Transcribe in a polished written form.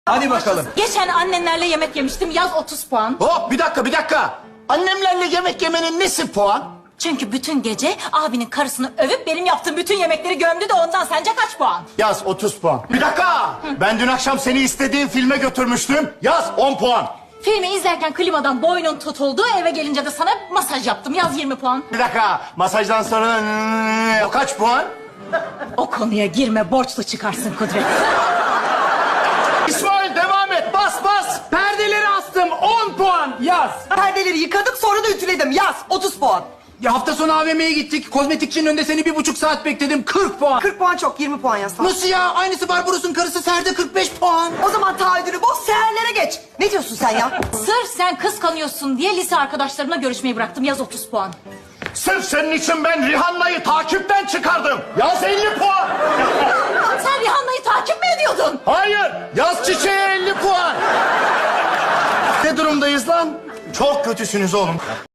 Hadi bakalım. Geçen annenlerle yemek yemiştim. Yaz 30 puan. Hop bir dakika. Annemlerle yemek yemenin nesi puan? Çünkü bütün gece abinin karısını övüp benim yaptığım bütün yemekleri gömdü de ondan sence kaç puan? Yaz 30 puan. Bir dakika. Ben dün akşam seni istediğin filme götürmüştüm. Yaz 10 puan. Filmi izlerken klimadan boynun tutuldu. Eve gelince de sana masaj yaptım. Yaz 20 puan. Bir dakika. Masajdan sonra o kaç puan? O konuya girme, borçlu çıkarsın Kudret. İsmail devam et. Bas. Perdeleri astım 10 puan yaz. Perdeleri yıkadım sonra da ütüledim. Yaz 30 puan. Ya hafta sonu AVM'ye gittik. Kozmetikçinin önünde seni 1,5 saat bekledim. 40 puan. 40 puan çok 20 puan yaz. Nasıl ya? Aynısı Barbaros'un karısı Serde 45 puan. O zaman taahhüdünü boz seherlere geç. Ne diyorsun sen ya? Sırf sen kıskanıyorsun diye lise arkadaşlarımla görüşmeyi bıraktım. Yaz 30 puan. Sırf senin için ben Rihanna'yı takipten çıkardım. Yaz 50 puan. Sen Rihanna'yı takip mi ediyordun? Hayır. Yaz çiçeğe 50 puan. Ne durumdayız lan? Çok kötüsünüz oğlum.